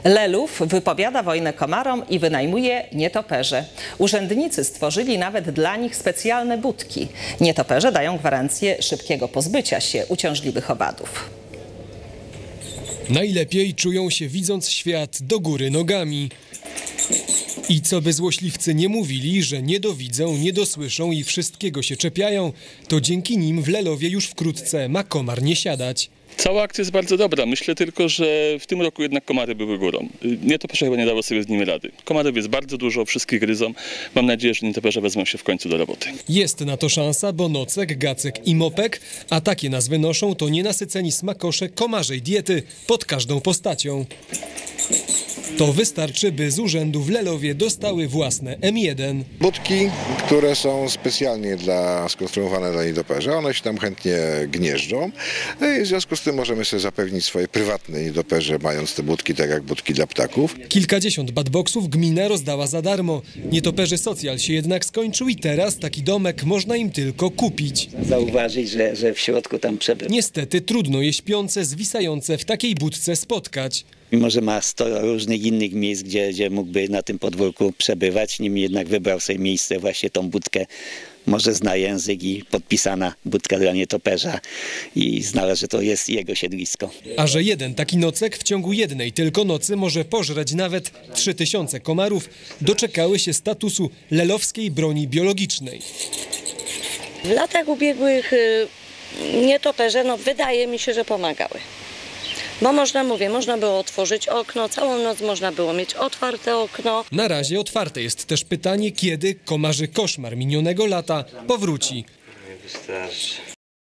Lelów wypowiada wojnę komarom i wynajmuje nietoperze. Urzędnicy stworzyli nawet dla nich specjalne budki. Nietoperze dają gwarancję szybkiego pozbycia się uciążliwych owadów. Najlepiej czują się, widząc świat do góry nogami. I co by złośliwcy nie mówili, że nie dowidzą, nie dosłyszą i wszystkiego się czepiają, to dzięki nim w Lelowie już wkrótce ma komar nie siadać. Cała akcja jest bardzo dobra. Myślę tylko, że w tym roku jednak komary były górą. Nietoperze chyba nie dało sobie z nimi rady. Komarów jest bardzo dużo, wszystkich gryzą. Mam nadzieję, że nietoperze wezmą się w końcu do roboty. Jest na to szansa, bo nocek, gacek i mopek, a takie nazwy noszą, to nienasyceni smakosze komarzej diety pod każdą postacią. To wystarczy, by z urzędu w Lelowie dostały własne M1. Budki, które są specjalnie skonstruowane dla nietoperza, one się tam chętnie gnieżdżą. I w związku z tym możemy sobie zapewnić swoje prywatne nietoperze, mając te budki tak jak budki dla ptaków. Kilkadziesiąt badboxów gmina rozdała za darmo. Nietoperzy socjal się jednak skończył i teraz taki domek można im tylko kupić. Zauważyć, że w środku tam przebywa. Niestety trudno je śpiące, zwisające w takiej budce spotkać. Mimo że ma 100 różnych innych miejsc, gdzie mógłby na tym podwórku przebywać, nim jednak wybrał sobie miejsce, właśnie tą budkę. Może zna język i podpisana budka dla nietoperza i znalazł, że to jest jego siedlisko. A że jeden taki nocek w ciągu jednej tylko nocy może pożreć nawet 3000 komarów, doczekały się statusu lelowskiej broni biologicznej. W latach ubiegłych nietoperze, wydaje mi się, że pomagały. Bo można było otworzyć okno, całą noc można było mieć otwarte okno. Na razie otwarte jest też pytanie, kiedy komarzy koszmar minionego lata powróci. Wystarczy.